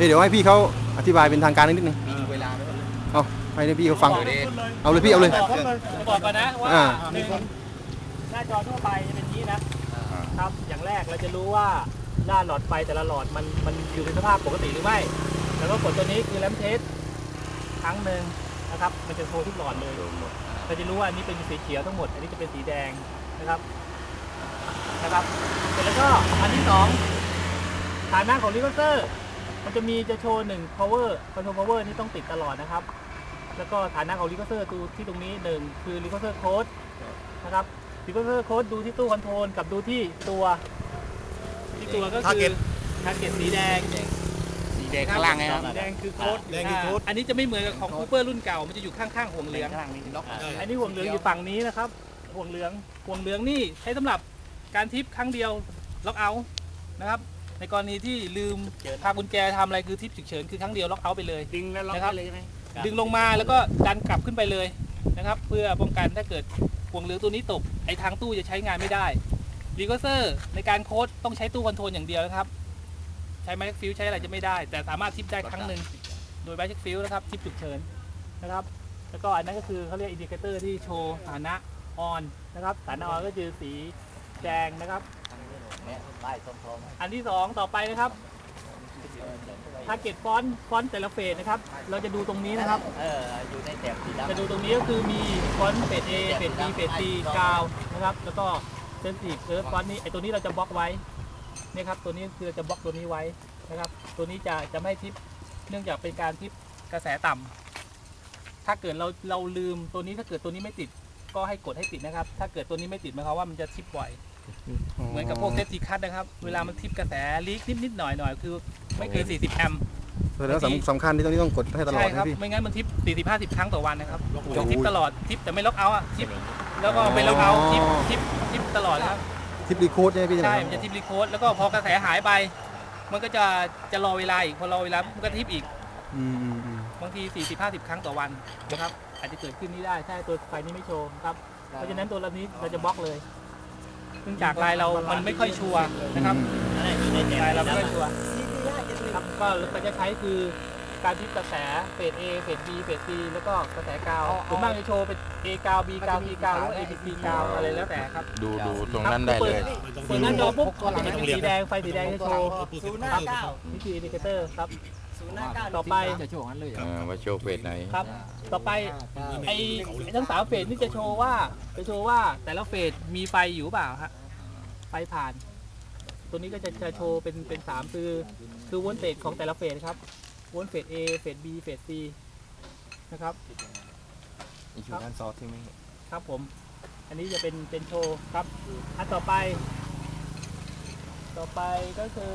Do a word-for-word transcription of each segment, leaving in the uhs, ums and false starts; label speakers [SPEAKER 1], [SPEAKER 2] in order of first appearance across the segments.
[SPEAKER 1] เดี๋ยวให้พี่เขาอธิบายเป็นทางการนิดนึง
[SPEAKER 2] เวลา
[SPEAKER 1] เอาให้พี่เขาฟังเอาเลยพี่เอาเลย
[SPEAKER 3] บอกก่อนนะว่าหนึ่งหน้าจอทั่วไปจะเป็นนี้นะครับอย่างแรกเราจะรู้ว่าหน้าหลอดไฟแต่ละหลอดมันมันอยู่ในสภาพปกติหรือไม่แล้วก็กดตัวนี้คือแลมเทสครั้งหนึ่งนะครับมันจะโชว์ทุกหลอดเลยเราจะรู้ว่าอันนี้เป็นสีเขียวทั้งหมดอันนี้จะเป็นสีแดงนะครับนะครับเสร็จแล้วก็อันที่สองฐานะของรีเวอร์เซอร์มันจะมีจะโชว์หนึ่ง power control power นี่ต้องติดตลอดนะครับแล้วก็ฐานะของรีเวอร์เซอร์ดูที่ตรงนี้หนึ่งคือรีเวอร์เซอร์โค้ดนะครับรีเวอร์เซอร์โค้ดดูที่ตู้คอนโทรลกับดูที่ตัวที่ตัวก็คือทาร์เก็ตสีแดง
[SPEAKER 2] สีแดงข้างล่างไงครับ
[SPEAKER 3] แดงคือโค้ดแดงคือโค้ดอันนี้จะไม่เหมือนกับของคูเปอร์รุ่นเก่ามันจะอยู่ข้างๆห่วงเหลืองอันนี้ห่วงเหลืองอยู่ฝั่งนี้นะครับห่วงเหลืองห่วงเหลืองนี่ใช้สำหรับการทิปครั้งเดียวล็อกเอาท์นะครับในกรณีที่ลืมพากุญแจทำอะไรคือทิปฉุกเฉินคือครั้งเดียวล็อกเอาท์ไปเลย
[SPEAKER 2] ดึงแล้วล็อกเลยใช่ไหม
[SPEAKER 3] ดึงลงมาแล้วก็ดันกลับขึ้นไปเลยนะครับเพื่อป้องกันถ้าเกิดห่วงเหลืองตัวนี้ตกไอ้ทางตู้จะใช้งานไม่ได้รีเวอร์เซอร์ในการโค้ดต้องใช้ตู้คอนโทรลอย่างเดียวนะครับใช้ไมค์ฟิวใช้อะไรจะไม่ได้แต่สามารถทิปได้ครั้งหนึ่งโดยไมค์ฟิวนะครับทิปฉุกเฉินนะครับแล้วก็อันนั้นก็คือเขาเรียกอินดิเคเตอร์ที่โชว์ฐานะออนนะครับฐานะออนก็คือสีแดงนะครับอันที่สองต่อไปนะครับทาร์เก็ตฟอนต์ฟอนต์แต่ละเฟสนะครับเราจะดูตรงนี้นะครับ
[SPEAKER 2] อยู่ในแถบสีดำ
[SPEAKER 3] จะดูตรงนี้ก็คือมีฟอนต์เฟส A เฟส B เฟส C กาวนะครับแล้วก็เซนซิทีฟเออฟอนต์นี้ไอตัวนี้เราจะบล็อกไว้นี่ครับตัวนี้คือเราจะบล็อกตัวนี้ไว้นะครับตัวนี้จะจะไม่ทิปเนื่องจากเป็นการทิปกระแสต่ำถ้าเกิดเราเราลืมตัวนี้ถ้าเกิดตัวนี้ไม่ติดก็ให้กดให้ติดนะครับถ้าเกิดตัวนี้ไม่ติดหมายความว่ามันจะทิปบ่อยเหมือนกับพวกเซฟตี้คัทนะครับเวลามันทิปกระแสลีกนิดนิดหน่อยหน่อยคือไม่เกินสี่สิบแอมป์
[SPEAKER 1] แล้วสำคัญที่ตรงนี้ต้องกดให้ตลอด
[SPEAKER 3] ใช่ครับไม่งั้นมันทิปสี่สิบห้าสิบครั้งต่อวันนะครับทิปตลอดทิปแต่ไม่ล็อกเอาท์อะทิปแล้วก็ไม่ล็อกเอาท์ทิปทิปทิปตลอดครับ
[SPEAKER 1] ทิปรีโคดใช่ไหมพี่
[SPEAKER 3] ใช่มันจะทิปรีโคดแล้วก็พอกระแสหายไปมันก็จะจะรอเวลาอีกพอรอเวลามันก็ทิปอีกบางทีสี่สิบห้าสิบครั้งต่อวันนะครับอาจจะเกิดขึ้นนี้ได้ถ้าตัวไฟนี้ไม่โชว์ครับเพราะฉะนั้นตัวนี้เราจะบล็อกเลยซึ่งจากลายเรามันไม่ค่อยชัวร์นะครับลายเราไม่ค่อยชัวร์ครับก็เราจะใช้คือการทิปกระแสเฟส A เฟส B เฟส C แล้วก็กระแสกาวส่วนมากจะโชว์เป็น A กาว B กาว C กาวหรือ A B C กาวอะไรแล้วแต่ครับ
[SPEAKER 4] ดูดูตรงนั้นได้เลย
[SPEAKER 3] เปิดหน้าจอปุ๊บจะเป็นสีแดงไฟสีแดงจะโชว์ศูนย์ห้าเก้านี่คืออินดิเคเตอร์ครับต่อไป
[SPEAKER 2] จะโชว์งั้นเลย
[SPEAKER 4] ว่าโชว์เฟสไหน
[SPEAKER 3] ครับต่อไปไอ้ทั้งสามเฟสนี่จะโชว์ว่าจะโชว์ว่าแต่ละเฟสมีไฟอยู่เปล่าฮะไฟผ่านตัวนี้ก็จะจะโชว์เป็นเป็นสามคือคือโวลเตจของแต่ละเฟสครับโวลต์เฟส A เฟส B เฟส C นะครับ
[SPEAKER 2] อยู่ด้านซอสที่ไม่
[SPEAKER 3] ครับผมอันนี้จะเป็นเป็นโชว์ครับอันต่อไปต่อไปก็คือ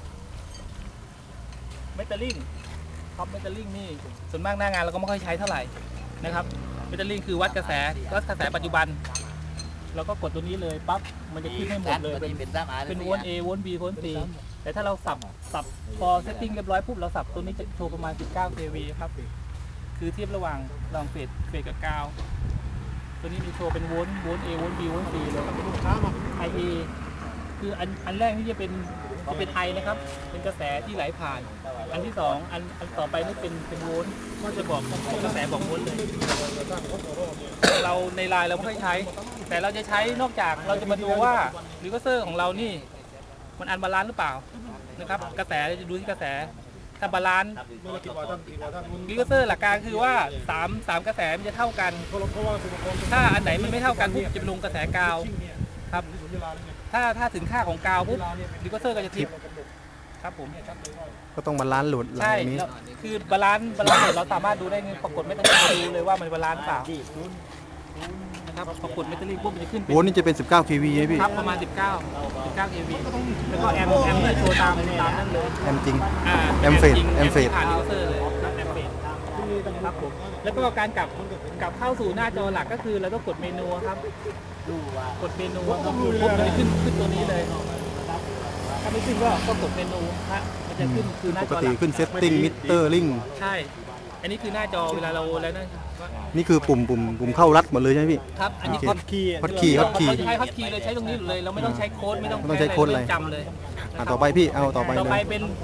[SPEAKER 3] เมทัลลิงท็อปเมทัลลิงนี่ส่วนมากหน้างานเราก็ไม่ค่อยใช้เท่าไหร่นะครับเมทัลลิงคือวัดกระแสวัดกระแสปัจจุบันเราก็กดตัวนี้เลยปั๊บมันจะขึ้นให้หมดเลยเป็นเป็นโวลต์ A โวลต์ B โวลต์ C แต่ถ้าเราสับสับพอเซตติ้งเรียบร้อยปุ๊บเราสับตัวนี้จะโชว์ประมาณสิบเก้า เค วี ครับคือเทียบระหว่างระหว่างเฟสเฟสกับกาวตัวนี้มีโชว์เป็นโวลต์โวลต์ A โวลต์ B โวลต์ C เลยไอ เอ คืออันอันแรกนี่จะเป็นจะเป็นไอนะครับเป็นกระแสที่ไหลผ่านอันที่สองอันอันต่อไปนี่เป็นเป็นโวลต์ก็จะบอกกระแสบอกโวลต์เลยเราในไลน์เราไม่ค่อยใช้แต่เราจะใช้นอกจากเราจะมาดูว่ารีเวอร์เซอร์ของเรานี่มันอันบาลานซ์หรือเปล่านะครับกระแสจะดูที่กระแสถ้าบาลานซ์รีเวอร์เซอร์หลักการคือว่าสาม สามกระแสมันจะเท่ากันถ้าอันไหนมันไม่เท่ากันปุ๊บจะไปลงกระแสกาวครับถ้าถ้าถึงค่าของกาวปุ๊บรีเวอร์เซอร์ก็จะทิปครับผม
[SPEAKER 1] ก็ต้องบาลานซ์โหลด
[SPEAKER 3] ใช่คือบาลานซ์บาลานซ์เราสามารถดูได้ปรากฏไม่ต้องดูเลยว่ามันบาลานซ์เปล่านะครับปรากฏเมทัลลิงปุ๊บมันจะขึ้น
[SPEAKER 1] โวลต์นี่จะเป็นสิบเก้า เค วี ใช่พี่
[SPEAKER 3] ครับประมาณสิบเก้า สิบเก้า เค วี แล้วก็แอมแอมที่โชว์ตามตามนั่นเลย
[SPEAKER 1] แอมจริง
[SPEAKER 3] อ่า
[SPEAKER 1] แอมเฟสแอมเฟส
[SPEAKER 3] ผ่านรีเวอร์เซอร์เลยครับแอมเฟสครับผมแล้วก็การกลับกลับเข้าสู่หน้าจอหลักก็คือเราต้องกดเมนูครับกดเมนูปุ๊บมันจะขึ้นขึ้นตัวนี้เลยถ้าไม่ขึ้นก็ก็กดเมนูฮะมันจะขึ้นคือหน้าจอหลัก
[SPEAKER 1] ปกติขึ้นเซตติ้งมิเตอร์ลิง
[SPEAKER 3] ใช่อันนี้คือหน้าจอเวลาเราแล้วนั่น
[SPEAKER 1] นี่คือปุ่มปุ่มปุ่มเข้ารัดหมดเลยใช่ไหมพี่
[SPEAKER 3] ครับอันนี้ฮอตคีย์
[SPEAKER 1] ฮอตคีย์ฮอตคีย์
[SPEAKER 3] ใช้ฮอตคีย์เลยใช้ตรงนี้เลยเราไม่ต้องใช้โค้ดไม่ต้อง
[SPEAKER 1] ต้องใช้โค้ดอะไร
[SPEAKER 3] จำเลย
[SPEAKER 1] ต่อไปพี่เอาต่อไป
[SPEAKER 3] ต่อไปเป็น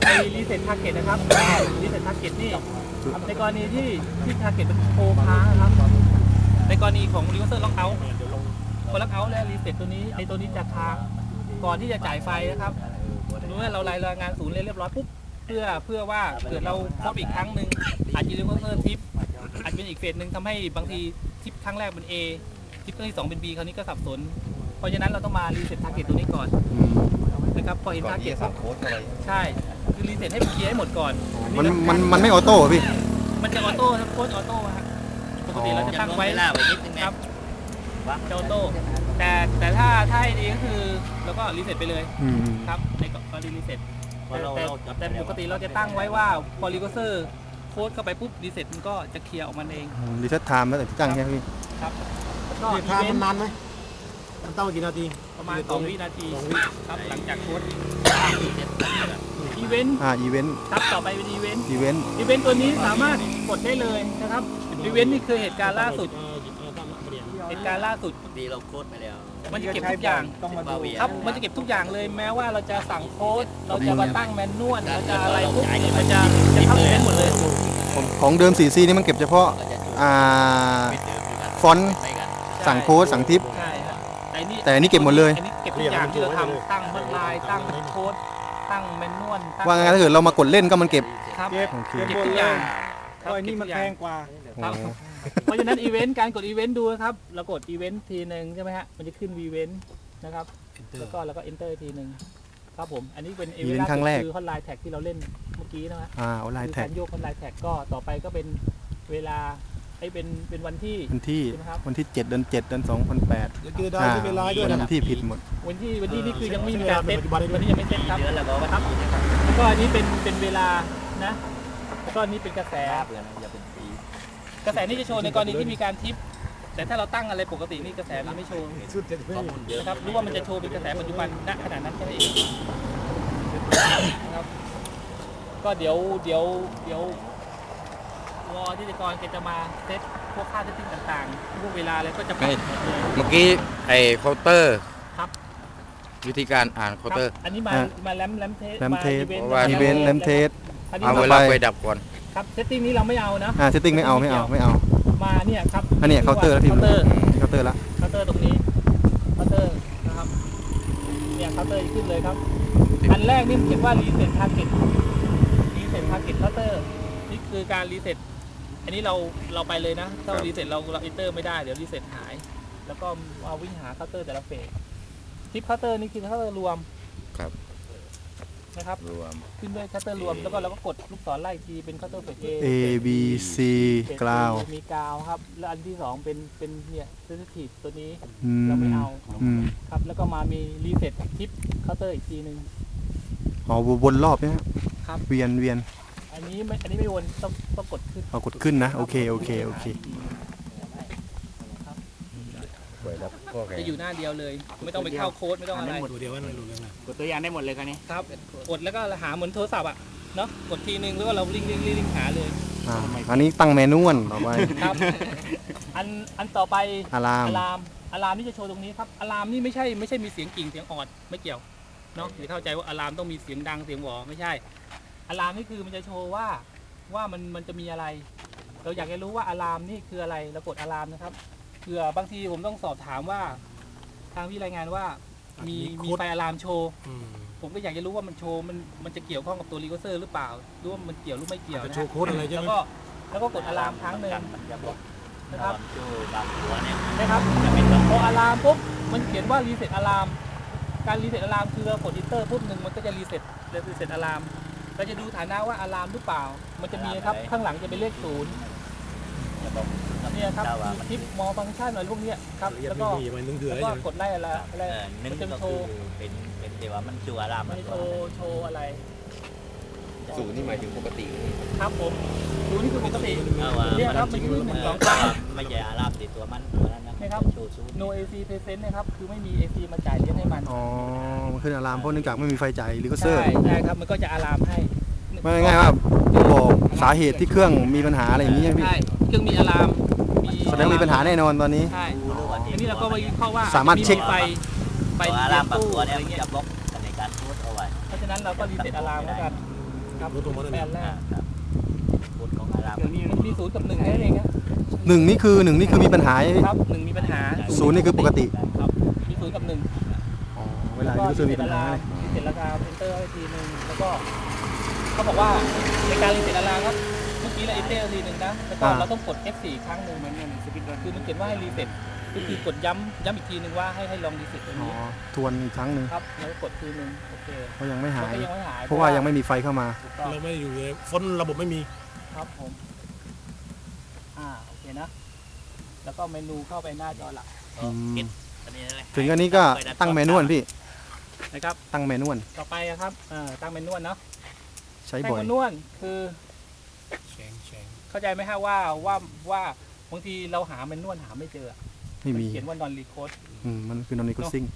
[SPEAKER 3] ไอรีเซ็ตทาร์เก็ตนะครับรีเซ็ตทาร์เก็ตนี่ในกรณีที่ที่ทาร์เก็ตมันโคค้างนะครับในกรณีของรีเวอร์เซอร์ล็อกเอาท์พอล็อกเอาท์แล้วรีเซ็ตตัวนี้ในตัวนี้จะค้างก่อนที่จะจ่ายไฟนะครับเมื่อเรารายงานศูนย์เรียบร้อยปุ๊บเพื่อเพื่อว่าเกิดเราครบอีกครั้งหนึ่งอาจจะรีเวอร์เซอร์ทิปอาจเป็นอีกเฟสหนึ่งทำให้บางทีทิปครั้งแรกเป็น A ทิปครั้งที่สองเป็น B คราวนี้ก็สับสนเพราะฉะนั้นเราต้องมารีเซ็ตทาร์เก็ตตัวนี้ก่อน
[SPEAKER 1] อืม
[SPEAKER 3] นะครับพอเห็นทาร์เก็ตใช่คือรีเซ็ตให้มันเคลียร์ให้หมดก่อน
[SPEAKER 1] มันมันมันไม่ออโต้เหรอพี่
[SPEAKER 3] มันจะออโต้ครับโค้ดออโต้ฮะปกติเราจะตั้งไว้
[SPEAKER 2] เวลาไว้นิดนึง
[SPEAKER 3] ค
[SPEAKER 2] นะ
[SPEAKER 3] รับจะออโต้แต่แต่ถ้าถ้าให้ดีก็คือเราก็รีเซ็ตไปเลย
[SPEAKER 1] อืม
[SPEAKER 3] ครับในกรณีรีเซ็ต
[SPEAKER 2] พอเรา
[SPEAKER 3] แต่
[SPEAKER 2] เราจับ
[SPEAKER 3] แต่ปกติเราจะตั้งไว้ว่าพอรีเซอร์โค้ดเข้าไปปุ๊บรีเซ็ตมันก็จะเคลียร์ออกมาเอง
[SPEAKER 1] รีเซ็ตไทม์แล้วแต่ที่ตั้งใช่ไหมพี่
[SPEAKER 3] ครับแล้วก็
[SPEAKER 5] นี่
[SPEAKER 3] อี
[SPEAKER 5] ทาง
[SPEAKER 3] เว
[SPEAKER 5] มัน น
[SPEAKER 3] ต์
[SPEAKER 5] นานไหมมันตั้งมากี่นาที
[SPEAKER 3] ประมาณสองวินาที
[SPEAKER 5] สองวิ
[SPEAKER 3] ครับหลังจากโค้ดอีเวนต์
[SPEAKER 1] อ่าอีเวนต์
[SPEAKER 3] ครับต่อไปเป็นอีเวนต์
[SPEAKER 1] อีเวนต์
[SPEAKER 3] อีเวนต์ตัวนี้สามารถกดได้เลยนะครับอีเวนต์นี่คือเหตุการณ์ล่าสุดเหตุการณ์ล่าสุด
[SPEAKER 2] ดีเราโค้ดไปแล้ว
[SPEAKER 3] มันจะเก็บทุกอย่าง
[SPEAKER 5] ต้องมาดู
[SPEAKER 3] ครับมันจะเก็บทุกอย่างเลยแม้ว่าเราจะสั่งโค้ดเราจะมาตั้งแมนนวลเราจะอะไรปุ๊บมันจะจะเข้าอีเวนต์หมดเลย
[SPEAKER 1] ของของเดิม โฟร์ซี นี่มันเก็บเฉพาะอ่า ฟอนต์ สั่งโค้ดสั่งทิป
[SPEAKER 3] ใช่ครับแต่นี่
[SPEAKER 1] แต่อันนี้เก็บหมดเลย
[SPEAKER 3] อันนี้เก็บทุกอย่างที่เราทำตั้งบัตรลายตั้งโค้ดตั้งแมนนวลตั้ง
[SPEAKER 1] ว่างั้นถ้าเกิดเรามากดเล่นก็มันเก็บ
[SPEAKER 3] ครับ
[SPEAKER 5] เก็บ
[SPEAKER 1] โอเค
[SPEAKER 3] เก็บทุกอย่างค
[SPEAKER 5] เพ
[SPEAKER 3] รับ
[SPEAKER 5] ราะอันนี้มัน
[SPEAKER 3] เก็บ
[SPEAKER 5] แพ
[SPEAKER 3] ทุกอย่าง
[SPEAKER 5] งกว่า
[SPEAKER 3] ครับ
[SPEAKER 1] โอ้
[SPEAKER 3] เพราะฉะนั้นอีเวนต์การกดอีเวนต์ดูนะครับเรากดอีเวนต์ทีหนึ่งใช่ไหมฮะมันจะขึ้นวีเวนต์นะครับแล้วก็แล้วก็ enter ทีหนึ่งครับผมอันนี้เป็น
[SPEAKER 1] อีเวนต์ครั้งแรก
[SPEAKER 3] คือฮอตไลน์แท็กที่เราเล่นเมื่อกี้นะฮะ
[SPEAKER 1] อ่าออนไล
[SPEAKER 3] คื
[SPEAKER 1] น์
[SPEAKER 3] อ
[SPEAKER 1] แท็
[SPEAKER 3] กาก รโยกฮอตไลน์แท็กก็ต่อไปก็เป็นเวลาไอ้เป็นเป็นวันที่
[SPEAKER 1] วันที่
[SPEAKER 3] ใช่ไหมครับ
[SPEAKER 1] วันที่เจ็ดเดือนเจ็ดเดือนสองพันแปด
[SPEAKER 5] เดี๋ยวเจอได้ไม่เป็นไรด้วย
[SPEAKER 1] วั
[SPEAKER 5] นะ
[SPEAKER 1] นที่ผิดหมด
[SPEAKER 3] วันที่วันที่นี่คือยังไม่มีการเซต
[SPEAKER 5] ปัจจุบันนี้
[SPEAKER 3] วันนี้ยังไม่เซตครับ
[SPEAKER 2] เดือนแล้วก็ว่า
[SPEAKER 3] ครับแล้วก็อันนี้เป็นเป็นเวลานะแล้วก็อันนี้เป็นกระแส
[SPEAKER 2] เดือนอย่าเป็นปี
[SPEAKER 3] กระแสนี่จะโชว์ในกรณีที่มีการทิป แต่ถ้าเราตั้งอะไรปกตินี่กระแสมันไม่โชว์
[SPEAKER 5] สุดเจ็ดไม่
[SPEAKER 2] ข้อมูลเยอะ
[SPEAKER 3] นะครับรู้ว่ามันจะโชว์เป็นกระแสปัจจุบันณขณะนั้นแค่นั้นเองนะครับก็เดี๋ยวเดี๋ยวเดี๋ยววอที่จะกรแกจะมาเซตพวกค่าเซตติ้งต่างๆพวกเวลาอะไรก็จะปรับหมดเลย
[SPEAKER 4] เมื่อกี้ไอ้เคาน์เตอร์
[SPEAKER 3] ครับ
[SPEAKER 4] วิธีการอ่านเคาน์เตอร์
[SPEAKER 3] ครับอันนี้มา
[SPEAKER 1] อ่ะ
[SPEAKER 3] มาแรมแรมเทส
[SPEAKER 1] แรมเทส
[SPEAKER 3] มา
[SPEAKER 4] เพราะว่า
[SPEAKER 1] อีเวนต์แรมเทส
[SPEAKER 3] อันนี้
[SPEAKER 4] เอา
[SPEAKER 1] ต่
[SPEAKER 4] เว
[SPEAKER 1] อไป
[SPEAKER 4] ลาไฟดับก่อน
[SPEAKER 3] ครับเซตติ้งนี้เราไม่เอานะ
[SPEAKER 1] อ่าเซตติ้งไม่เอาไม่เอาไม่เอา
[SPEAKER 3] มาเนี่ยครับ
[SPEAKER 1] อันเนี้ยเคาน์เตอร์แล้วพิมพ์
[SPEAKER 3] เคาน์เตอร์
[SPEAKER 1] เคาน์เตอร์ละ
[SPEAKER 3] เคาน์เตอร์ตรงนี้เคาน์เตอร์นะครับเนี่ยเคาน์เตอร์ขึ้นเลยครับ อันแรกนี่มันเขียนว่า reset target reset target counter นี่คือการ reset อันนี้เราเราไปเลยนะถ้า
[SPEAKER 4] ครับ
[SPEAKER 3] reset เราเรา enter ไม่ได้เดี๋ยว reset หาย แล้วก็มาวิ่งหา counter แต่ละเฟสทิป counter นี่คือ counter รวม
[SPEAKER 4] ครับ
[SPEAKER 3] นะครับ
[SPEAKER 4] รวม
[SPEAKER 3] ขึ้นด้วย counter รวมแล้วก็เราก็กดลูกศรไล่อีกทีเป็น counter เฟส A
[SPEAKER 1] A B C
[SPEAKER 3] เฟส
[SPEAKER 1] กราว
[SPEAKER 3] มีกราวครับแล้วอันที่สองเป็นเป็นเนี่ย sensitive ตัวนี้
[SPEAKER 1] อืม
[SPEAKER 3] เราไม่เอา
[SPEAKER 1] อืม
[SPEAKER 3] ครับแล้วก็มามี reset ทิป counter อีกทีหนึ่ง
[SPEAKER 1] อ๋อวนรอบเนี่ย
[SPEAKER 3] ครับ
[SPEAKER 1] เวียนเวียน
[SPEAKER 3] อันนี้ไม่อันนี้ไม่วนต้องต้องกดขึ้น
[SPEAKER 1] เอากดขึ้นนะโอเคโอเคโอเค
[SPEAKER 3] จะอยู่หน้าเดียวเลย ไม่ต้องไปเข้าโค้ดไม่ต้องอะไร
[SPEAKER 5] ดูเดียวว่ามันรู้เรื่องอะไร
[SPEAKER 2] กดตัวอย่างได้หมดเลยครับนี่
[SPEAKER 3] ครับกดแล้วก็หาเหมือนโทรศัพท์อ่ะเนาะกดทีนึงแล้วก็เราลิงก์ลิงก์ลิงก์หาเลย
[SPEAKER 1] อ่าอันนี้ตั้งแมนนวลต่อไป
[SPEAKER 3] ครับ อันอันต่อไป
[SPEAKER 1] อะลาม
[SPEAKER 3] อะลามอะลามนี่จะโชว์ตรงนี้ครับอะลามนี่ไม่ใช่ไม่ใช่มีเสียงกิ่งเสียงออดไม่เกี่ยวเนาะอย่าเข้าใจว่าอะลามต้องมีเสียงดังเสียงหวอไม่ใช่อะลามนี่คือมันจะโชว์ว่าว่ามันมันจะมีอะไร เราอยากจะรู้ว่าอะลามนี่คืออะไรเรากดอะลามนะครับเผื่อบางทีผมต้องสอบถามว่า ทางพี่รายงานว่ามีมีไฟอะลามโชว์
[SPEAKER 5] อืม
[SPEAKER 3] ผมก็อยากจะรู้ว่ามันโชว์มันมันจะเกี่ยวข้องกับตัวรีเวอร์เซอร์หรือเปล่าหรือว่ามันเกี่ยวหรือไม่เกี่ยว
[SPEAKER 5] จะ
[SPEAKER 3] นะ
[SPEAKER 5] โช
[SPEAKER 3] ฮะ
[SPEAKER 5] ว์โค้ดอะไรใช่
[SPEAKER 3] แล้
[SPEAKER 5] ไห
[SPEAKER 3] ว
[SPEAKER 5] ม
[SPEAKER 3] ก็แล้วก็กดอะลามครั้งหนึ่ง
[SPEAKER 2] มันจะบอก
[SPEAKER 3] นะครับ
[SPEAKER 2] โจบางหัวเนี่ย
[SPEAKER 3] นะครับพออะลามปุ๊บมันเขียนว่ารีเซ็ตอะลามการรีเซ็ตอะลามคือเรากดอินเตอร์ปุ๊บหนึ่งมันก็จะรีเซ็ตรีเซ็ตอะลามเราจะดูฐานะว่าอะลามหรือเปล่า มันจะมีครับข้างหลังจะเป็นเลขศูนย์
[SPEAKER 2] จะบอก
[SPEAKER 3] เนี่ยครับ
[SPEAKER 2] ถ้าว่ามัน
[SPEAKER 3] ทิปมอฟังก์ชันอะไรพวกเนี้ยครับ
[SPEAKER 5] ละเอียด
[SPEAKER 3] แล้ว
[SPEAKER 5] ไม่
[SPEAKER 3] ก็
[SPEAKER 5] มีมันนึงเถื่อ
[SPEAKER 3] แล้ว
[SPEAKER 5] อะไร
[SPEAKER 3] ก็
[SPEAKER 5] ใช่ไหม
[SPEAKER 3] กดไล่อะไรอะไร
[SPEAKER 2] เออหนึ่ง
[SPEAKER 3] มันจะ
[SPEAKER 2] ก็
[SPEAKER 3] โช
[SPEAKER 2] คือ
[SPEAKER 3] ว์
[SPEAKER 2] เป็นเป็นเดี๋ยวว่ามันจูอาราม
[SPEAKER 3] มันจะโชว์โชว์อะไร
[SPEAKER 4] ศูนย์นี่หมายถึงปกติ
[SPEAKER 3] ครับผมศูนย์นี่คือปกติ
[SPEAKER 2] เอาว่า
[SPEAKER 3] เนี่ยครับมันขึ้นหนึ่งสองสาม
[SPEAKER 2] ไม่ใช่อารามติดตัวมันตัวนั้นนะ
[SPEAKER 3] นะครับ
[SPEAKER 2] โชว์ซูน
[SPEAKER 3] no เอ ซี present นะครับคือไม่มี เอ ซี มาจ่ายเลี้ยงให้มัน
[SPEAKER 1] อ๋อมันขึ้นอะลามเพราะเนื่องจากไม่มีไฟจ่ายรีเวอร์เซอ
[SPEAKER 3] ใช่
[SPEAKER 1] ร์
[SPEAKER 3] ใช่ครับมันก็จะอะลามให้
[SPEAKER 1] ไม่ง่ายๆว่าบอกสาเหตุที่เครื่องมีปัญหาอะไรอย่างนี้ใช่ไหมพี่
[SPEAKER 3] ใช่เครื่องมีอะลามมี
[SPEAKER 1] แสดงว่ามีปัญหาแน่นอนตอนนี้
[SPEAKER 3] ใช่
[SPEAKER 2] รู้หรือว่า
[SPEAKER 3] อันนี้เราก็มาวิเคราะห์ว่า
[SPEAKER 1] สามารถเช็ค
[SPEAKER 3] ไฟไฟ
[SPEAKER 2] ตัว
[SPEAKER 3] ที่
[SPEAKER 2] อารามบาง
[SPEAKER 3] ตู้
[SPEAKER 2] ตัว
[SPEAKER 3] อะ
[SPEAKER 2] เนี่ย
[SPEAKER 3] ไร
[SPEAKER 2] มัน
[SPEAKER 3] เงี้ย
[SPEAKER 2] จะบล็อกในการโพสเอาไว้
[SPEAKER 3] เพราะฉะนั้นเราก็รีเซ็ตอะลามแล้วกันครับ
[SPEAKER 5] รู้ตัวมัน
[SPEAKER 3] แป
[SPEAKER 5] นั่
[SPEAKER 3] ด
[SPEAKER 5] น
[SPEAKER 3] แรก
[SPEAKER 2] ครับกฎของอาราม
[SPEAKER 3] เดี๋ยวนี้มันมีศูนย์กับหนึ่งแค่นั้นเองนะ
[SPEAKER 1] หนึ่งนี่คือหนึ่งนี่คือมีปัญหาใช่ไหม
[SPEAKER 3] ครับหนึ่งมีปัญหา
[SPEAKER 1] ศูนย์นี่คือปกติ
[SPEAKER 3] ครับมีศูนย์กับหนึ่ง
[SPEAKER 1] อ๋อเวลายูเซอร์มีปัญหาเลย
[SPEAKER 3] รีเซ็ตราคาเพนเตอร์ให้ทีนึงแล้วก็เขาบอกว่าในการรีเซ็ตราคาครับเมื่อกี้เราเอนเตอร์ทีนึงนะแล้วก็เราต้องกด เอฟ โฟร์ ครั้งหนึ่งเหมือนกันสปินรันคือมันเขียนว่าให้รีเซ็ตก็คือกดย้ำย้ำอีกทีนึงว่าให้ให้ลองรีเซ็ตตรง
[SPEAKER 1] อ๋อ
[SPEAKER 3] นี้
[SPEAKER 1] ทวนอีกครั้งหนึ่ง
[SPEAKER 3] ครับแล้วก็กดทีนึงโอเค
[SPEAKER 1] เพราะยังไม่หาย
[SPEAKER 3] ก็ยังไม่หาย
[SPEAKER 1] เพราะว่ายังไม่มีไฟเข้ามา
[SPEAKER 3] ถูกต้อง
[SPEAKER 5] เราไม่อยู่เลยฟอนต์ระบบไม่มี
[SPEAKER 3] ครับผมอ่าโอเคนะ แล้วก็เมนูเข้าไปหน้าจอหลัก
[SPEAKER 1] อืม
[SPEAKER 2] เก็ตอันนี้อะไร
[SPEAKER 1] ถึงอันนี้ก็ตั้งเมนูพี่
[SPEAKER 3] นะครับ
[SPEAKER 1] ตั้งเมนู
[SPEAKER 3] ต่อไปอะครับเอ่อตั้งเมนูเนาะ
[SPEAKER 1] ใช้
[SPEAKER 3] ตั้ง
[SPEAKER 1] บ่อย
[SPEAKER 3] เมนูคือ
[SPEAKER 5] แฉงแฉง
[SPEAKER 3] เข้าใจไหมฮะว่าว่าว่าบางทีเราหาเมนูหาไม่เจอ
[SPEAKER 1] ไม่มี
[SPEAKER 3] นเขียนว่านอนรีโคด
[SPEAKER 1] อืมมันคือนอนนิโคซิง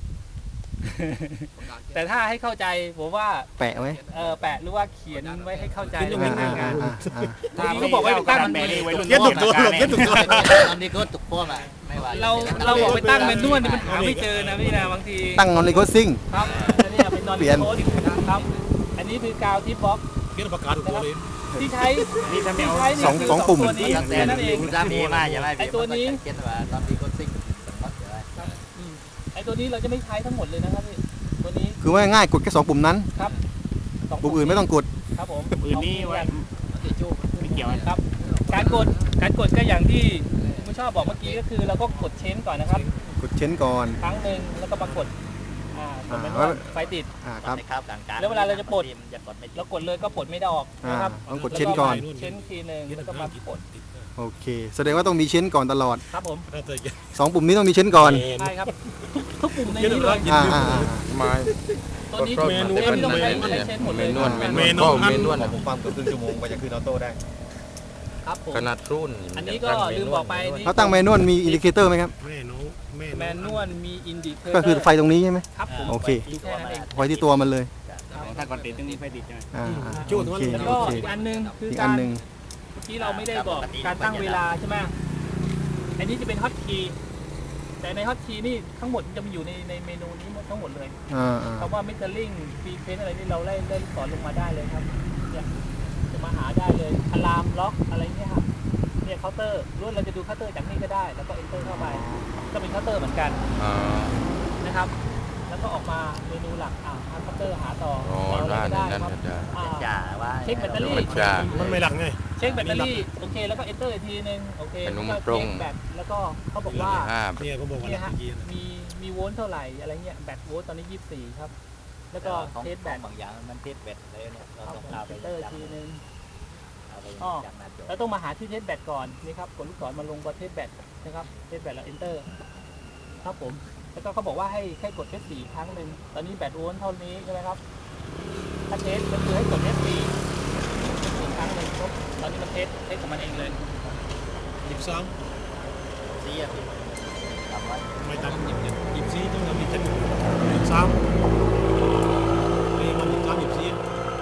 [SPEAKER 3] แต่ถ้าให้เข้าใจผมว่า
[SPEAKER 1] แปะไว้
[SPEAKER 3] เออแปะหรือว่าเขียนไว้ให้เข้าใจ
[SPEAKER 1] อ่า
[SPEAKER 3] ง่าย
[SPEAKER 1] อ่า
[SPEAKER 3] ๆงาน
[SPEAKER 1] อ่าอ่า
[SPEAKER 3] บางทีเขาบอกว่าไปตั้งมัน
[SPEAKER 5] เก็ตถูกตัวหรอกเก็ตถูกตัว
[SPEAKER 2] ตอนนี้ก็ถูกพวกอ่ะไม่ว่า
[SPEAKER 3] เราเราบอกไปตั้งเมนูนี่มันหาไม่เจอนะพี่นะบางที
[SPEAKER 1] ตั้งนอนนิโคซิง
[SPEAKER 3] ครับอันนี้เป็นนอน
[SPEAKER 1] เปลี่
[SPEAKER 3] รี
[SPEAKER 1] ยน
[SPEAKER 3] โคดครับ อันนี้คือกาวทิปบ็อก
[SPEAKER 5] เก็ตประกาศถูกตัวเลย
[SPEAKER 3] ที่ใช้ที่ใช้นี่
[SPEAKER 1] สอง
[SPEAKER 3] คื
[SPEAKER 1] สองปุ่ม
[SPEAKER 3] ตัวนี้
[SPEAKER 2] ตั้งแต่
[SPEAKER 3] แค่นั้นเอง
[SPEAKER 2] คุณสามีมาใช่ไหม
[SPEAKER 3] ไอ้ตัวนี้
[SPEAKER 2] เก็ตว่าตอนนี้ก็ซิงก็ใช่ไหม
[SPEAKER 3] อืมไอ้ตัวนี้เราจะไม่ใช้ทั้งหมดเลยนะครับพี่ตัวนี้
[SPEAKER 1] คือว่าง่ายกดแค่สองปุ่มนั้น
[SPEAKER 3] ครับสง
[SPEAKER 1] ปุ่มอื่นไม่ต้องกด
[SPEAKER 3] ครับผม
[SPEAKER 6] อื่นนี่ไว้ ไม่เกี่ยว
[SPEAKER 3] ครับ การกดการกดก็อย่างที่คุณชอบบอกเมื่อกี้ก็คือเราก็กดเชนก่อนนะครับ
[SPEAKER 1] กดเชนก่อน
[SPEAKER 3] ครั้งหนึ่งแล้วก็มากดอ่ากดเป็น
[SPEAKER 1] อ่า
[SPEAKER 3] ว่าไฟติด
[SPEAKER 1] อ่าครับ
[SPEAKER 2] ในครับกลางๆ
[SPEAKER 3] แล้วเวลาเราจะปลด
[SPEAKER 2] จะกดไม่ติด
[SPEAKER 3] เรากดเลยก็ปลดไม่ได้ออก
[SPEAKER 1] อ่า
[SPEAKER 3] นะครับ
[SPEAKER 1] ต้องกดเชนก่อน
[SPEAKER 3] เชนทีหนึ่งแล้วก็มาปลด
[SPEAKER 1] โอเค แสดงว่าต้องมีเชนก่อนตลอด
[SPEAKER 3] ครับผม
[SPEAKER 5] น่าจะเก็ต
[SPEAKER 1] สองปุ่มนี้ต้องมีเชนก่อน
[SPEAKER 3] ใช่ครับทุกปุ่มในนี้เลย
[SPEAKER 1] อ่าอ่าอ่า
[SPEAKER 4] ไม้
[SPEAKER 3] ตัวนี้
[SPEAKER 4] ก็
[SPEAKER 3] เมนู
[SPEAKER 4] ก็
[SPEAKER 3] ที่ต้องใช้
[SPEAKER 4] เมนู
[SPEAKER 3] ใช้เชนหมดเลย
[SPEAKER 4] เมนู
[SPEAKER 3] ครับ
[SPEAKER 4] เมนูเมนูนะ
[SPEAKER 1] ผมฟังเกือบครึ่งชั่วโมงกว่าจะขึ้นออโต้ได้
[SPEAKER 3] ครับผม
[SPEAKER 4] ขนาดรุ่น
[SPEAKER 3] อันนี้ก็ลืมบอกไปนี่
[SPEAKER 1] เขาตั้งเมนูมีอินดิเคเตอร์ไหมครับ
[SPEAKER 5] แม่น้องแม่
[SPEAKER 3] แมนนวลมีอินดิเคเตอร์
[SPEAKER 1] ก็คือไฟตรงนี้ใช่ไหม
[SPEAKER 3] ครับผม
[SPEAKER 1] โอเค
[SPEAKER 3] ดูแค่นั้นเอง
[SPEAKER 1] ไฟที่ตัวมันเลย
[SPEAKER 6] ถ้าก่อนติดต้องมีไฟติดใช่ไหม
[SPEAKER 1] อ่าอ่า
[SPEAKER 5] จู้
[SPEAKER 1] โอ
[SPEAKER 5] ตัว
[SPEAKER 1] เค
[SPEAKER 5] นั้น
[SPEAKER 3] แล้ว
[SPEAKER 1] โอ
[SPEAKER 3] ก็
[SPEAKER 1] เค
[SPEAKER 3] อีกอันหนึงคือ
[SPEAKER 1] อีก
[SPEAKER 3] กา
[SPEAKER 1] อัน
[SPEAKER 3] ร
[SPEAKER 1] หนึ่ง
[SPEAKER 3] เมื่อกี้เราไม่ได้บอกการตั้งเวลาใช่ไหมอันนี้จะเป็นฮอตคีย์แต่ในฮอตคีย์นี่ทั้งหมดจะมีอยู่ในในเมนูนี้หมดทั้งหมดเลย
[SPEAKER 1] อ่าอ่า
[SPEAKER 3] คำว่ามิเตอร์ลิงฟรีเฟนอะไรนี่เราไล่ไล่สอนลงมาได้เลยครับเนี่ยจะมาหาได้เลยอะลามล็อกอะไรเงี้ยครับเนี่ยเคาน์เตอร์ล้วนเราจะดูเคาน์เตอร์จากนี่ก็ได้ แล้วก็เอนเตอร์เข้าไปก็เป็นเคาน์เตอร์เหมือนกัน
[SPEAKER 4] อ่า
[SPEAKER 3] นะครับ แล้วก็ออกมาเมนูหลักอ่าหาเคาน์เตอร์หาต่อ
[SPEAKER 4] อ๋อ
[SPEAKER 3] ต่ออะไร
[SPEAKER 4] ได้
[SPEAKER 3] ก็
[SPEAKER 4] นั่น
[SPEAKER 3] ครับ
[SPEAKER 4] ก็ได้
[SPEAKER 3] อ่า
[SPEAKER 2] จ่าว่า
[SPEAKER 3] เช็คแบตเตอรี่
[SPEAKER 4] ธรรมดา
[SPEAKER 5] มันไม่หลักไง
[SPEAKER 3] เช็คแบตเตอรี่โอเคแล้วก็เอนเตอร์อีกทีนึงโอเค
[SPEAKER 4] เป็น
[SPEAKER 3] แล้ว
[SPEAKER 4] มุ
[SPEAKER 3] ก็
[SPEAKER 4] มตรง
[SPEAKER 3] เช็คแบตแล้วก็เขาบอกว่า
[SPEAKER 4] ห้า
[SPEAKER 5] เนี่ยผมบอกว่าห
[SPEAKER 3] เนี่
[SPEAKER 5] ลั
[SPEAKER 3] ย
[SPEAKER 5] ก
[SPEAKER 3] ฮะ
[SPEAKER 5] เมื่อกี้นะ
[SPEAKER 3] มีมีโวลต์เท่าไหร่อะไรเงี้ยแบตโวลต์ตอนนี้ยี่สิบสี่ครับ แล้วก็
[SPEAKER 2] ของ
[SPEAKER 3] เทสแบต
[SPEAKER 2] บางอย่างมันเทสแบตเลยเนี่ยเรา
[SPEAKER 3] ครับ
[SPEAKER 2] ต้อง
[SPEAKER 3] ผม
[SPEAKER 2] เอาไป
[SPEAKER 3] เอนเตอร์อีกทีนึง
[SPEAKER 2] เอาไป
[SPEAKER 3] อ้อ
[SPEAKER 2] จากหน้าจอ
[SPEAKER 3] เราต้องมาหาที่เทสแบตก่อนนี่ครับกดลูกศรมาลงก็เทสแบตนะครับเทสแบตแล้ว enter ครับผมแล้วก็เขาบอกว่าให้แค่กด เอฟ โฟร์ ครั้งหนึ่งตอนนี้แบตโวลต์เท่านี้ใช่ไหมครับถ้าเทสก็คือให้กด เอฟ โฟร์ อีกครั้งหนึ่งปุ๊บตอนนี้มันเทสเทสของมันเองเลย
[SPEAKER 5] หยิบซ้
[SPEAKER 2] ซีอ่ะพี่ทำไว้
[SPEAKER 5] ำไม่ตั้งหยิบหยิบหยิบซีต้องทำหยิบเจ็ดหยิบซ้ำนี่มันหยิบซ้ำหยิบซี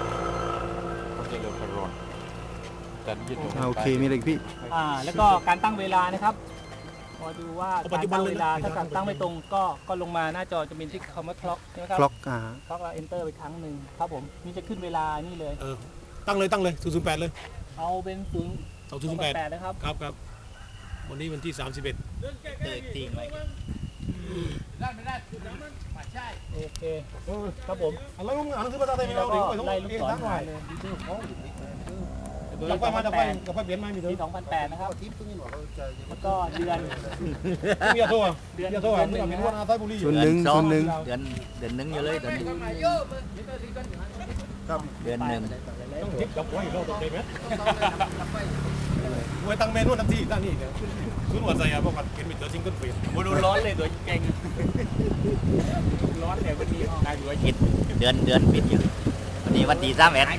[SPEAKER 1] อ่าโอเค มีอะไรอีกพี่
[SPEAKER 3] อ่าแล้วก็การตั้งเวลานะครับพอดูว่าการตั้งเวลาถ้าการตั้งไม่ตรงก็ก็ลงมาหน้าจอจะมีที่คำว่า clock ใช่ไหมครับ
[SPEAKER 1] คล็อกอ่า
[SPEAKER 3] clock เรา enter ไปครั้งหนึ่งครับผมนี่จะขึ้นเวลานี่เลย
[SPEAKER 5] เออตั้งเลยตั้งเลยศูนย์ศูนย์แปดเลย
[SPEAKER 3] เอาเป็นศูนย์
[SPEAKER 5] สองศูนย์แปด
[SPEAKER 3] แปดนะครับ
[SPEAKER 5] ครับครับวันนี้วันที่สามสิบเอ็ด
[SPEAKER 2] เตอร์ทิ้งไว้
[SPEAKER 3] โอเคครับผม
[SPEAKER 5] อะไรมึงอ่านหนังสือภาษาไทยไม่
[SPEAKER 3] แล้
[SPEAKER 5] เอา
[SPEAKER 3] วก็
[SPEAKER 5] ดิไปต้อง
[SPEAKER 3] ไล่
[SPEAKER 5] เอ
[SPEAKER 3] ลูก
[SPEAKER 5] ง
[SPEAKER 3] ศร
[SPEAKER 5] ทั้งหน่
[SPEAKER 3] หา
[SPEAKER 5] อย
[SPEAKER 3] เลย
[SPEAKER 5] เราไปมาจะไปกับไปเปลี่ยนไหมมีเถ
[SPEAKER 3] ปี
[SPEAKER 5] อะ
[SPEAKER 3] สองพันแปดนะครับแล้วก็เดือน
[SPEAKER 5] มีอะโทษมีอะโทษมึงมีวันอาไทยบุรี
[SPEAKER 1] ศูนย์หนึ่งศูนย์หนึ่ง
[SPEAKER 2] เดือนเดือนหนึ่งอยู่เลยตอนนี้เดือนหนึ่ง
[SPEAKER 5] ต้องทิปกับไว้เราตกใจไหมไว้ตั้งเมนูทันทีตั้งนี่เดี๋ยวคุณหัวใจอ่ะเพราะว่าเห็นมีตัวจริงก็เปลี่ยน
[SPEAKER 3] โมดูร้อนเลยตัวเก่งร้อนเนี่ยวันนี้นายอยู่
[SPEAKER 2] ปิดเดือนเดือนปิดอยู่วันนี้วันที่สามเอ็ด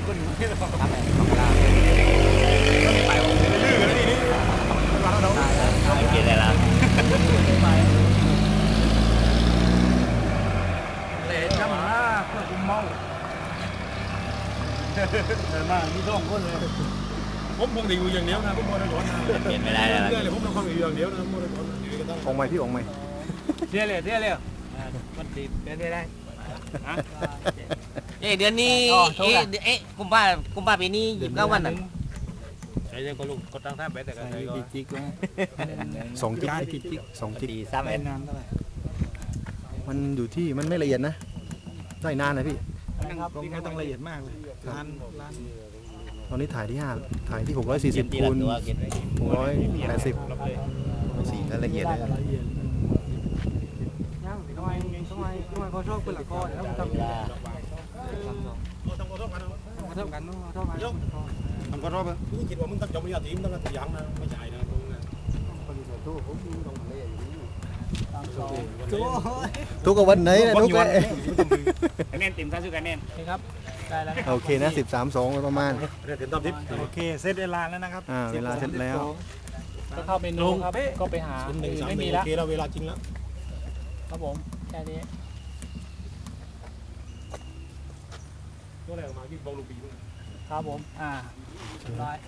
[SPEAKER 2] ไม่กินอะไรแล้ว
[SPEAKER 6] เลยจำหน้าเพื่อคุมเมาเดินมามีสองคนเลย
[SPEAKER 5] ผมคงจะอยู่อย่างเดียวนะผมโมได้ร้อนนะ
[SPEAKER 2] กินไม่ได้แล้ว
[SPEAKER 5] เรื่อยเลยผมต้องคงอยู่อย่างเดียวนะโมได้ร้อนอยู่กันตั้ง
[SPEAKER 1] องค์ใหม่พี่องค์ใหม่
[SPEAKER 6] เที่ยวเลยเที่ยวเลยมันติดเที่ยวได้
[SPEAKER 7] เอ้ยเดือนนี้
[SPEAKER 3] อ๋อโทษ
[SPEAKER 7] เอ๊ะ
[SPEAKER 3] ค่ะ
[SPEAKER 7] เดือนเอ๊ะกุมภากุมภาปีนี้ยี่สิบเก้าวันน่ะ
[SPEAKER 6] ใช้เรื่องก็ลูกก็ตั้งท่าไปแต่ก็ใช้ก็
[SPEAKER 5] จิกๆนะ
[SPEAKER 1] สองจิ๊ก
[SPEAKER 5] การจิก
[SPEAKER 1] สองจิ๊ก
[SPEAKER 2] ดีซ้ำ
[SPEAKER 5] ๆ
[SPEAKER 2] เอ
[SPEAKER 5] ได้
[SPEAKER 2] ส
[SPEAKER 5] นานเท่าไหร่
[SPEAKER 1] มันอยู่ที่มันไม่ละเอียดนะได้นานนะพี่
[SPEAKER 3] นะครับ
[SPEAKER 5] ก็ไม่ต้องละเอียดมากเลยล้านล้าน
[SPEAKER 1] ตอนนี้ถ่ายที่ห้าถ่ายที่หกร้อยสี่สิบคูณ
[SPEAKER 2] ตัวเก็บไว้
[SPEAKER 1] หกร้อยแปดสิบสีก็ละเอียดนะ
[SPEAKER 6] ยังทำไมทำไมทำไมเขาชอบคนละก้อนแล้วทำ
[SPEAKER 2] เวลา
[SPEAKER 5] ต้องขอโทษกัน
[SPEAKER 6] มาเท่ากันเนาะเท่ากัน
[SPEAKER 5] มันก็รอบมึงคิดว่ามึงต้องจบปริญญาตรีมึงต้องตัวอย่างนะไม่ใช่นะมึงนะ
[SPEAKER 1] ทุกกับวันไหนนะทุกเลย
[SPEAKER 6] คะแนนเต็มท่าสุดคะแนน
[SPEAKER 3] โอเคครับ ได้แล้วนะ
[SPEAKER 1] โอเคนะสิบสามสองประมาณ
[SPEAKER 5] เรียนเต็มตามทิพย์โอเคเซตเวลาแล้วนะครับ
[SPEAKER 1] อ่าเวลาเสร็จแล้ว
[SPEAKER 3] ก็เข้าเมนูครับ ก็ไปหา
[SPEAKER 5] หนึ่งสาม
[SPEAKER 3] ไม่
[SPEAKER 5] หนึ่
[SPEAKER 3] มี
[SPEAKER 5] ง
[SPEAKER 3] แล้
[SPEAKER 5] โอ
[SPEAKER 3] ว
[SPEAKER 5] เคแล้วเวลาจริงแล้ว
[SPEAKER 3] ครับผม แค่นี้
[SPEAKER 5] ตัวอะไรออกมาที่บอลลูกปีมึง
[SPEAKER 3] ครับผม อ่าเรียบร้อย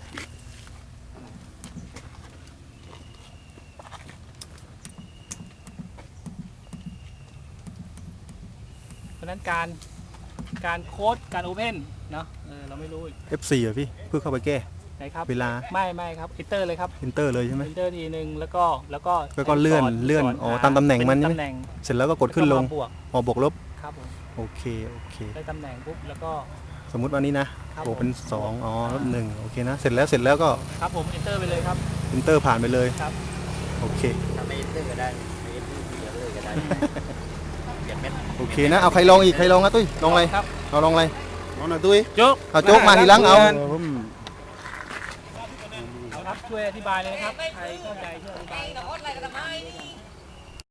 [SPEAKER 3] เพราะฉะนั้นการการโค้ดการโอเพนเนาะเออเราไม่รู้อีก
[SPEAKER 1] เอฟ โฟร์ อ่ะพี่เพื่อเข้าไปแก้
[SPEAKER 3] ไหนครับ
[SPEAKER 1] เวลา
[SPEAKER 3] ไม่ไม่ครับอินเตอร์เลยครับ
[SPEAKER 1] อินเตอร์เลยใช่ไหม
[SPEAKER 3] อินเตอร์ทีหนึ่งแล้วก็แล้วก็
[SPEAKER 1] แล้วก็เลื่อน
[SPEAKER 3] ส
[SPEAKER 1] เลื่อน
[SPEAKER 3] ส
[SPEAKER 1] อ๋อ
[SPEAKER 3] ห
[SPEAKER 1] ตามตำแหน่งมันใช่ไหม
[SPEAKER 3] ตำแหน่ง
[SPEAKER 1] เสร็จแล้วก็กดขึ้นลง
[SPEAKER 3] แวก็มาบวก
[SPEAKER 1] อ๋อบวกลบ
[SPEAKER 3] ครับผม
[SPEAKER 1] โอเคโอเค
[SPEAKER 3] ได้ตำแหน่งปุ๊บแล้วก็
[SPEAKER 1] สมมุติวันนี้นะครับ บวกเป็น
[SPEAKER 3] ผม
[SPEAKER 1] สองอ๋อลบหนึ่งโอเคนะเสร็จแล้วเสร็จแล้วก็
[SPEAKER 3] ครับผมอินเตอร์ไปเลยครับ
[SPEAKER 1] อินเตอร์ผ่านไปเลย
[SPEAKER 3] ครับ
[SPEAKER 1] โอเค
[SPEAKER 2] ทำไม่เลื่อนก็ได้ไม่เลื่อนเดี๋ยวเลยก็ได้เก็บเม็ด
[SPEAKER 1] โอเคนะเอาใครลองอีกใครลองนะตุ้ยลองอะไร
[SPEAKER 3] ครับ
[SPEAKER 1] เราลองอะไร
[SPEAKER 5] น้องหน่อยตุ้ย
[SPEAKER 3] จุ๊ก
[SPEAKER 1] เอาโจ๊กมาทีหลังเอา
[SPEAKER 3] เอาครับช่วยอธิบายเลยนะครับใครเข้าใจช่วยอธิบาย